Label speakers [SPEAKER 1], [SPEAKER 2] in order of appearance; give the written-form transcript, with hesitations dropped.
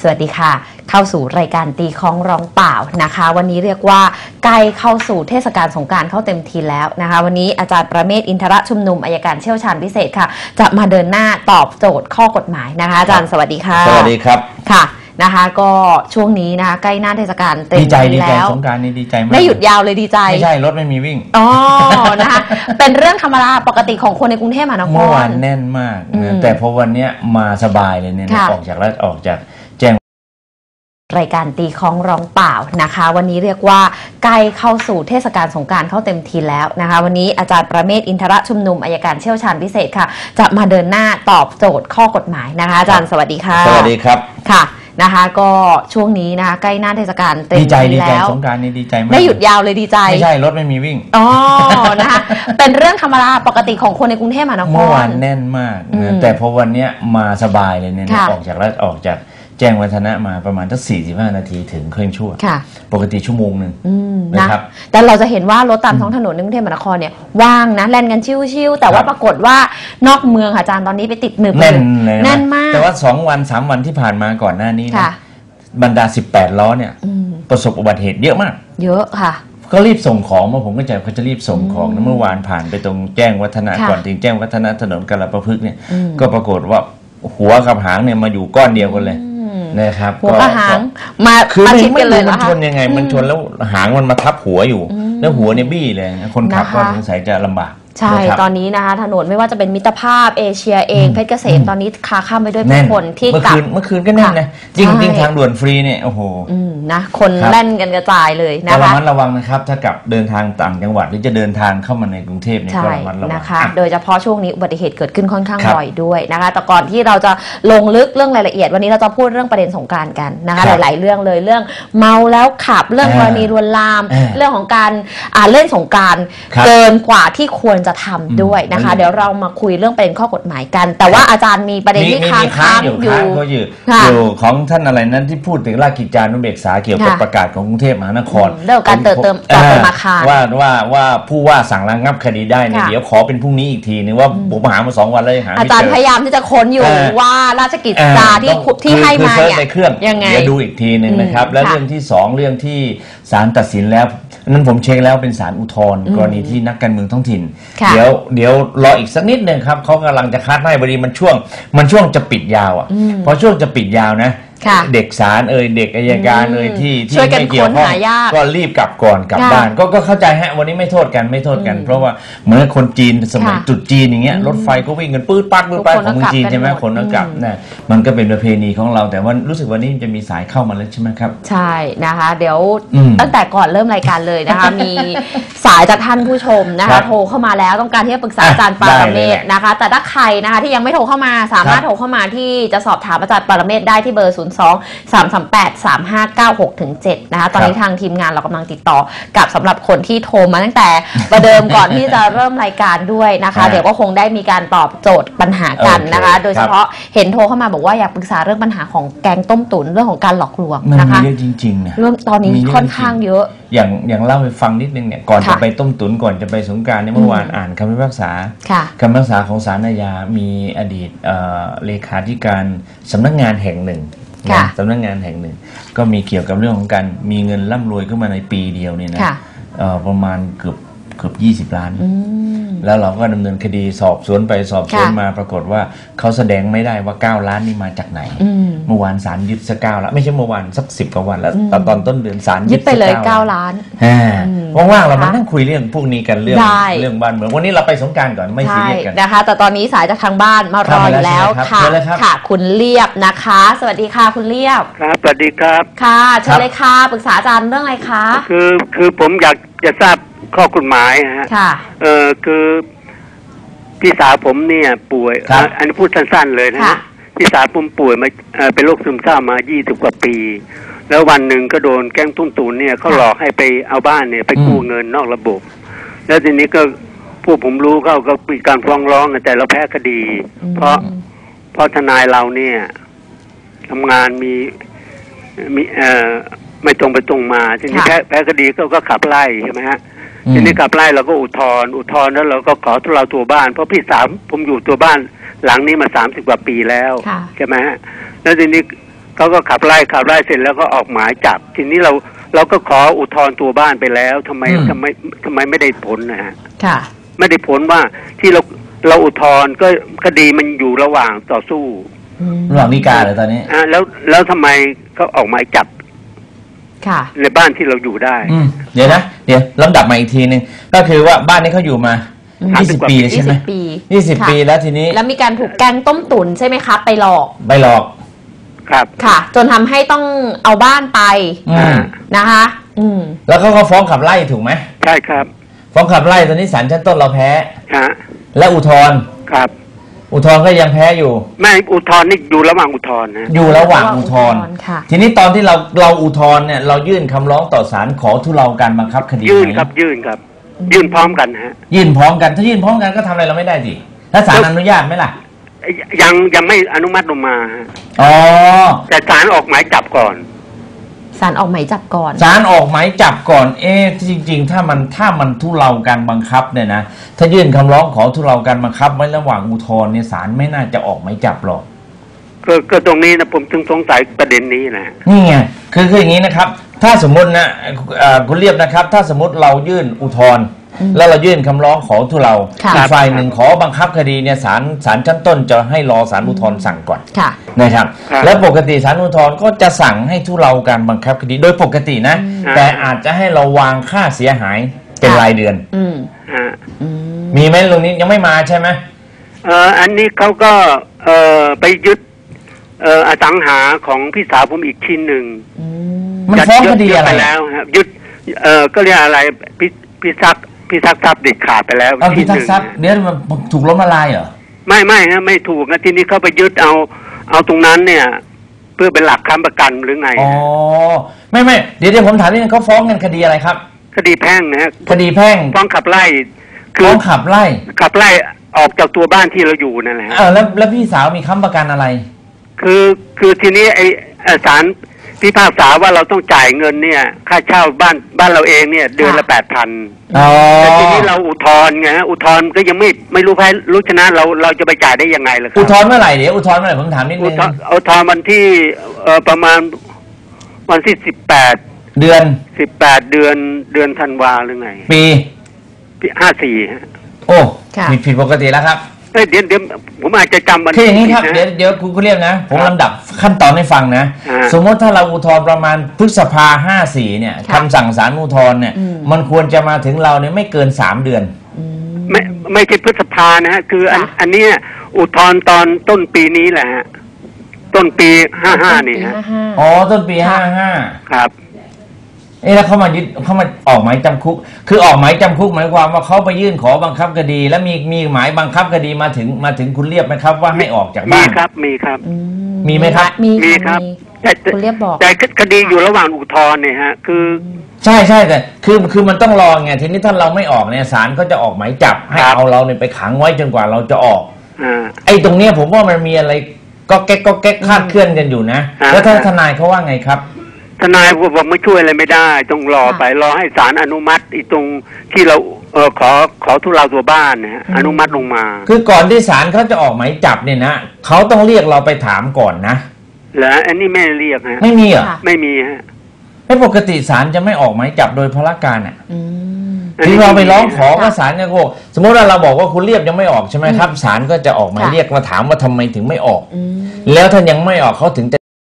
[SPEAKER 1] วัสดีค่ะเข้าสู่รายการตีคล้องร้องเปล่านะคะวันนี้เรียกว่าใกล้เข้าสู่เทศกาลสงกรานต์เข้าเต็มทีแล้วนะคะวันนี้อาจารย์ประเมศอินทรชุมนุมอัยการเชี่ยวชาญพิเศษค่ะจะมาเดินหน้าตอบโจทย์ข้อกฎหมายนะคะอาจารย์สวัสดีค่ะ
[SPEAKER 2] สวัสดีครับ
[SPEAKER 1] ค่ะนะคะก็ช่วงนี้นะคะใกล้หน้าเทศกาลเต็มทีแล้ว
[SPEAKER 2] สงกรานต์นี่ดีใจมาก
[SPEAKER 1] ได้หยุดยาวเลยดีใจ
[SPEAKER 2] ไม่ใช่รถไม่มีวิ่ง
[SPEAKER 1] อ๋อนะคะเป็นเรื่องธรรมดาปกติของคนในกรุงเทพมหานคร
[SPEAKER 2] เมื่อวานแน่นมากนะแต่พอวันนี้มาสบายเลยเนี่ยออกจากแจ้ง
[SPEAKER 1] รายการตีคล้องร้องเปล่านะคะวันนี้เรียกว่าใกล้เข้าสู่เทศกาลสงกรานต์เข้าเต็มทีแล้วนะคะวันนี้อาจารย์ประเมศอินทรชุมนุมอัยการเชี่ยวชาญพิเศษค่ะจะมาเดินหน้าตอบโจทย์ข้อกฎหมายนะคะอาจารย์สวัสดีค่ะ
[SPEAKER 2] สวัสดีครับ
[SPEAKER 1] ค่ะนะคะก็ช่วงนี้นะคะใกล้หน้าเทศกาลเต็มทีแล้ว
[SPEAKER 2] สงกรานต์นี่ดีใจมาก
[SPEAKER 1] ได้หยุดยาวเลยดีใจ
[SPEAKER 2] ไม่ใช่รถไม่มีวิ่ง
[SPEAKER 1] อ๋อนะคะเป็นเรื่องธรรมดาปกติของคนในกรุงเทพมหานคร
[SPEAKER 2] เมื่อวานแน่นมากนะแต่พอวันนี้มาสบายเลยเนี่ยออกจากแจ้งวัฒนะมาประมาณสัก45 นาทีถึงครึ่งชั่วปกติชั่วโมงนึง
[SPEAKER 1] นะครับแต่เราจะเห็นว่ารถตามท้องถนนในกรุงเทพมหานครเนี่ยว่างนะแล่นกันชิวๆแต่ว่าปรากฏว่านอกเมืองอาจารย์ตอนนี้ไปติดหนึบ
[SPEAKER 2] แน่นเลย
[SPEAKER 1] แน่นมาก
[SPEAKER 2] แต่ว่า2 วัน 3 วันที่ผ่านมาก่อนหน้านี้นะบรรดา18 ล้อเนี่ยประสบอุบัติเหตุเยอะมาก
[SPEAKER 1] เยอะค่ะ
[SPEAKER 2] ก็รีบส่งของมาผมก็ใจเขาจะรีบส่งของเมื่อวานผ่านไปตรงแจ้งวัฒนะก่อนถึงแจ้งวัฒนะถนนกาฬประพฤกษ์เนี่ยก็ปรากฏว่าหัวกับหางเนี่ยมาอยู่ก้อนเดียวกันเลยนะครับ
[SPEAKER 1] หัวกับหางมา
[SPEAKER 2] คือไม่รู้มันชนยังไงมันชนแล้วหางมันมาทับหัวอยู่แล้วหัวเนี่ยบี้เลยคนขับก็สงสัยจะลำบาก
[SPEAKER 1] ใช่ตอนนี้นะคะถนนไม่ว่าจะเป็นมิตรภาพเอเชียเองเพชรเกษมตอนนี้คาข้ามไปด้วยผู้คนที่กลับ
[SPEAKER 2] เมื่อคืนก็แน่นนะจริงทางด่วนฟรีเนี่ยโอ้โห
[SPEAKER 1] นะคนแล่นกันกระจายเลยนะคะ
[SPEAKER 2] ระวังนะครับถ้ากับเดินทางต่างจังหวัดหรือจะเดินทางเข้ามาในกรุงเทพเนี่ยก็ระมัดระวัง
[SPEAKER 1] นะคะโดยเฉพาะช่วงนี้อุบัติเหตุเกิดขึ้นค่อนข้างบ่อยด้วยนะคะแต่ก่อนที่เราจะลงลึกเรื่องรายละเอียดวันนี้เราจะพูดเรื่องประเด็นสงกรานต์กันนะคะหลายๆเรื่องเลยเรื่องเมาแล้วขับเรื่องกรณีลวนลามเรื่องของการเล่นสงกรานต์เกินกว่าที่ควรจะทำด้วยนะคะเดี๋ยวเรามาคุยเรื่องประเด็นข้อกฎหมายกันแต่ว่าอาจารย์มีประเด็นที่ค้าง
[SPEAKER 2] อยู่ของท่านอะไรนั้นที่พูดถึงราชกิจจานุเบกษาเกี่ยวกับประกาศของกรุงเทพมหานคร
[SPEAKER 1] เรื่องการเติมอาคาร
[SPEAKER 2] ว่าผู้ว่าสั่งระงับคดีได้เนี่ยเดี๋ยวขอเป็นพรุ่งนี้อีกทีนึงว่าผมหามา2 วันแล้วยังหาไม่เจอ
[SPEAKER 1] อาจารย์พยายามที่จะค้นอยู่ว่าราชกิจจาที่ให้มาเนี่ย
[SPEAKER 2] ในเครื่องเดี๋ยวดูอีกทีนึงนะครับแล้วเรื่องที่2เรื่องที่ศาลตัดสินแล้วนั้นผมเช็คแล้วเป็นศาลอุทธรณ์กรณีที่นักการเมืองท้องถิ่นเดี๋ยวรออีกสักนิดนึงครับเขากำลังจะคัดให้พอดีมันช่วงจะปิดยาวอ่ะพอช่วงจะปิดยาวนะเด็กศาลเด็กอัยการที่ไม่เกี่ยวข้องก็รีบกลับก่อนกลับบ้านก็เข้าใจฮะวันนี้ไม่โทษกันเพราะว่าเหมือนคนจีนสมัยจุดจีนอย่างเงี้ยรถไฟก็วิ่งกันปื๊ดปั๊ดของเมืองจีนใช่ไหมคนก็กลับนะมันก็เป็นประเพณีของเราแต่ว่ารู้สึกวันนี้จะมีสายเข้ามาแล้วใช่ไหมครับ
[SPEAKER 1] ใช่นะคะเดี๋ยวตั้งแต่ก่อนเริ่มรายการเลยนะคะมีสายจากท่านผู้ชมนะคะโทรเข้ามาแล้วต้องการที่จะปรึกษาอาจารย์ปรเมศนะคะแต่ถ้าใครนะคะที่ยังไม่โทรเข้ามาสามารถโทรเข้ามาที่จะสอบถามอาจารย์ปรเมศได้ที่เบอร์02-338-3596-7นะคะตอนนี้ทางทีมงานเรากำลังติดต่อกับสำหรับคนที่โทรมาตั้งแต่ประเดิมก่อนที่จะเริ่มรายการด้วยนะคะเดี๋ยวก็คงได้มีการตอบโจทย์ปัญหากันนะคะโดยเฉพาะเห็นโทรเข้ามาบอกว่าอยากปรึกษาเรื่องปัญหาของแก๊งต้มตุ๋นเรื่องของการหลอกลวงนะคะ
[SPEAKER 2] มันเยอะจริงๆนะ
[SPEAKER 1] เรื่องตอนนี้ค่อนข้างเยอะ
[SPEAKER 2] อย่างเล่าให้ฟังนิดนึงเนี่ยก่อนจะไปต้มตุ๋นก่อนจะไปสงกรานต์เมื่อวานอ่านคำพิพากษาของศาลอาญามีอดีตเลขาธิการสำนักงานแห่งหนึ่งสำนักงานแห่งหนึ่งก็มีเกี่ยวกับเรื่องของการมีเงินร่ำรวยขึ้นมาในปีเดียวเนี่ยนะประมาณเกือบ20 ล้านแล้วเราก็ดำเนินคดีสอบสวนไปสอบสวนมาปรากฏว่าเขาแสดงไม่ได้ว่า9 ล้านนี่มาจากไหนเมื่อวานศาลยึดสัก9 ล้านไม่ใช่เมื่อวานสัก10 กว่าวันแล้วตอนต้นเดือนศาล
[SPEAKER 1] ยึดไปเลย9 ล้าน
[SPEAKER 2] ว่างๆเรามานั่งคุยเรื่องพวกนี้กันเรื่องบ้านเมืองวันนี้เราไปสงกรานต์ก่อนไม่ซีเรียสกัน
[SPEAKER 1] นะคะแต่ตอนนี้สายจากทางบ้านมารออยู่แล้วค่ะคุณเรียบนะคะสวัสดีค่ะคุณเรียบ
[SPEAKER 3] ครับสวัสดีครับ
[SPEAKER 1] ค่ะเชิญเลยค่ะปรึกษาอาจารย์เรื่องอะไรคะ
[SPEAKER 3] คือผมอยากจะทราบข้อกฎหมายฮะคือพี่สาวผมเนี่ยป่วยอันนี้พูดสั้นๆเลยนะพี่สาวผมป่วยมาเป็นโรคซึมเศร้ามา20 กว่าปีแล้ววันหนึ่งก็โดนแก๊งตุ้มตูนเนี่ยเขาหลอกให้ไปเอาบ้านเนี่ยไปกู้เงินนอกระบบแล้วทีนี้ก็พวกผมรู้เขาก็มีการฟ้องร้องแต่เราแพ้คดีเพราะทนายเราเนี่ยทำงานมีไม่ตรงไปตรงมาทีนี้แพ้คดีก็ขับไล่ใช่ไหมฮะทีนี้ขับไล่เราก็อุทธรณ์แล้วเราก็ขอทุเลาตัวบ้านเพราะพี่สาวผมอยู่ตัวบ้านหลังนี้มา30 กว่าปีแล้วใช่ไหมฮะแล้วทีนี้เขาก็ขับไล่เสร็จแล้วก็ออกหมายจับทีนี้เราก็ขออุทธรณ์ตัวบ้านไปแล้วทำไมไม่ได้ผลนะฮะ
[SPEAKER 1] ค่ะ
[SPEAKER 3] ไม่ได้ผลว่าที่เราอุทธรณ์ก็คดีมันอยู่ระหว่างต่อสู้
[SPEAKER 2] ระหว่างฎีกาเลยตอนนี้
[SPEAKER 3] แล้วทำไมเขาออกหมายจับ
[SPEAKER 1] ค่ะ
[SPEAKER 3] ในบ้านที่เราอยู่ได้
[SPEAKER 2] เดี๋ยวลำดับมาอีกทีนึงก็คือว่าบ้านนี้เขาอยู่มา20 ปีใช่ไหม20 ปีแล้วทีนี้
[SPEAKER 1] แล้วมีการถูกแกงต้มตุ๋นใช่ไหมคะไปหลอก
[SPEAKER 3] ครับ
[SPEAKER 1] ค่ะจนทำให้ต้องเอาบ้านไปนะคะ
[SPEAKER 2] แล้วเขาก็ฟ้องขับไล่ถูกไหม
[SPEAKER 3] ใช่ครับ
[SPEAKER 2] ฟ้องขับไล่ตอนนี้ศาลชั้นต้นเราแพ้และอุทธรณ์
[SPEAKER 3] ครับ
[SPEAKER 2] อุทธรณ์ก็ยังแพ้อยู่
[SPEAKER 3] ไม่อุทธรณ์นี่อยู่ระหว่างอุทธรณ์นะ
[SPEAKER 2] อยู่ระหว่างอุทธรณ์ทีนี้ตอนที่เราอุทธรณ์เนี่ยเรายื่นคำร้องต่อศาลขอทุเลาการบังคับคดี
[SPEAKER 3] ยื่นครับยื่นพร้อมกันฮะ
[SPEAKER 2] ยื่นพร้อมกันถ้ายื่นพร้อมกันก็ทำอะไรเราไม่ได้สิถ้าศาลอนุญาตไหมล่ะ
[SPEAKER 3] ยังไม่อนุมัติลงมา
[SPEAKER 2] อ๋อ
[SPEAKER 3] แต่ศาลออกหมายจับก่อน
[SPEAKER 1] ศาลออกหมายจับก่อน
[SPEAKER 2] ศาลออกหมายจับก่อนจริงๆถ้ามันทุเลาการบังคับเนี่ยนะถ้ายื่นคำร้องขอทุเลาการบังคับไว้ระหว่างอุทธรณ์เนี่ยศาลไม่น่าจะออกหมายจับหรอก
[SPEAKER 3] ก็ตรงนี้นะผมจึงสงสัยประเด็นนี้นะ
[SPEAKER 2] นี่ไงคืออย่างนี้นะครับถ้าสมมตินะคุณเรียบนะครับถ้าสมมติเรายื่นอุทธรณ์แล้วเรายื่นคำร้องขอทุเลาอีกฝ่ายหนึ่งขอบังคับคดีเนี่ยศาลชั้นต้นจะให้รอศาลอุทธรณ์สั่งก่อนนะครับแล้วปกติศาลอุทธรณ์ก็จะสั่งให้ทุเลาการบังคับคดีโดยปกตินะแต่อาจจะให้เราวางค่าเสียหายเป็นรายเดือนมีไหมตรงนี้ยังไม่มาใช่ไหม
[SPEAKER 3] อันนี้เขาก็ไปยึดอสังหาของพี่สาวผมอีกชิ้นหนึ่ง
[SPEAKER 2] มันฟ้องคดีอะไร
[SPEAKER 3] แล้วครับยึดก็เรียกอะไรพิทักษ์ทรัพย์เด็ดขาดไปแล้ว
[SPEAKER 2] พิทักษ์ทรัพย์เนี่ยมันถูกล้มละลายเหรอ
[SPEAKER 3] ไม่ฮะไม่ถูกนะทีนี้เขาไปยึดเอาตรงนั้นเนี่ยเพื่อเป็นหลักค้ำประกันหรือไง
[SPEAKER 2] อ๋อไม่เดี๋ยวผมถามนิดนึงเขาฟ้องกันคดีอะไรครับ
[SPEAKER 3] คดีแพ่งนะฮะ
[SPEAKER 2] คดีแพ่ง
[SPEAKER 3] ฟ้องขับไล่
[SPEAKER 2] ฟ้องขับไล่
[SPEAKER 3] ออกจากตัวบ้านที่เราอยู่นั่นแหละ
[SPEAKER 2] แล้วพี่สาวมีค้ำประกันอะไร
[SPEAKER 3] คือทีนี้ไอ้ศาลพิพากษาว่าเราต้องจ่ายเงินเนี่ยค่าเช่าบ้านเราเองเนี่ยเดือนละ 8,000 แต่ทีนี้เราอุทธรณ์ไงอุทธรณ์ก็ยังไม่รู้แพ้รู้ชนะเราจะไปจ่ายได้ยังไงล่ะครับ
[SPEAKER 2] อุทธรณ์เมื่อไหร่เดี๋ยวอุทธรณ์เมื่อไหร่ผมถามนิดนึง
[SPEAKER 3] อุทธรณ์วันที่ประมาณวันที่18
[SPEAKER 2] เดือน
[SPEAKER 3] ธันวาหรือไง
[SPEAKER 2] ปี
[SPEAKER 3] 54ฮะ
[SPEAKER 2] โอ้ผิดปกติแล้วครับ
[SPEAKER 3] เดี๋ยวผมอาจจะจำวัน
[SPEAKER 2] ที่อย่างนี้ครับเดี๋ยวคุณเรียกนะผมลำดับขั้นตอนให้ฟังนะสมมติถ้าเราอุทธรณ์ประมาณพฤษภา54เนี่ยคำสั่งศาลอุทธรณ์เนี่ยมันควรจะมาถึงเราเนี่ยไม่เกิน3 เดือน
[SPEAKER 3] ไม่ใช่พฤษภานะฮะคืออันนี้อุทธรณ์ตอนต้นปีนี้แหละฮะต้นปี55นี่ฮะ
[SPEAKER 2] อ๋อต้นปี55
[SPEAKER 3] ครับ
[SPEAKER 2] แล้วเขามาออกหมายจำคุกคือออกหมายจำคุกหมายความว่าเขาไปยื่นขอบังคับคดีแล้วมีหมายบังคับคดีมาถึงคุณเรียบไหมครับว่าให้ออกจากบ้าน
[SPEAKER 3] มีครับมี
[SPEAKER 2] ไหมครับ
[SPEAKER 3] มีครับ
[SPEAKER 1] คุณเรียบบอก
[SPEAKER 3] แต่คดีอยู่ระหว่างอุทธรณ์เนี่ยฮะคือ
[SPEAKER 2] ใช่แต่คือมันต้องรอไงทีนี้ถ้าเราไม่ออกเนี่ยศาลก็จะออกหมายจับให้เอาเราเนี่ยไปขังไว้จนกว่าเราจะออกไอ้ตรงเนี้ยผมว่ามันมีอะไรก็แก๊กคาดเคลื่อนกันอยู่นะแล้วถ้าทนายเขาว่าไงครับ
[SPEAKER 3] ทนายบอกไม่ช่วยอะไรไม่ได้ต้องรอให้ศาลอนุมัติอีตรงที่เราขอทุเลาตัวบ้านนะฮะอนุมัติลงมา
[SPEAKER 2] คือก่อนที่ศาลเขาจะออกหมายจับเนี่ยนะเขาต้องเรียกเราไปถามก่อนนะ
[SPEAKER 3] แล้วอันนี้ไม่เรียกฮะ
[SPEAKER 2] ไม่มีเหรอ
[SPEAKER 3] ไม่มีฮะ
[SPEAKER 2] ไม่ปกติศาลจะไม่ออกหมายจับโดยพลการอ่ะที่เราไปร้องขอว่าศาลเนี่ยก็สมมติว่าเราบอกว่าคุณเรียบยังไม่ออกใช่ไหมครับศาลก็จะออกหมายเรียกมาถามว่าทำไมถึงไม่ออกแล้วถ้ายังไม่ออกเขาถึงจะ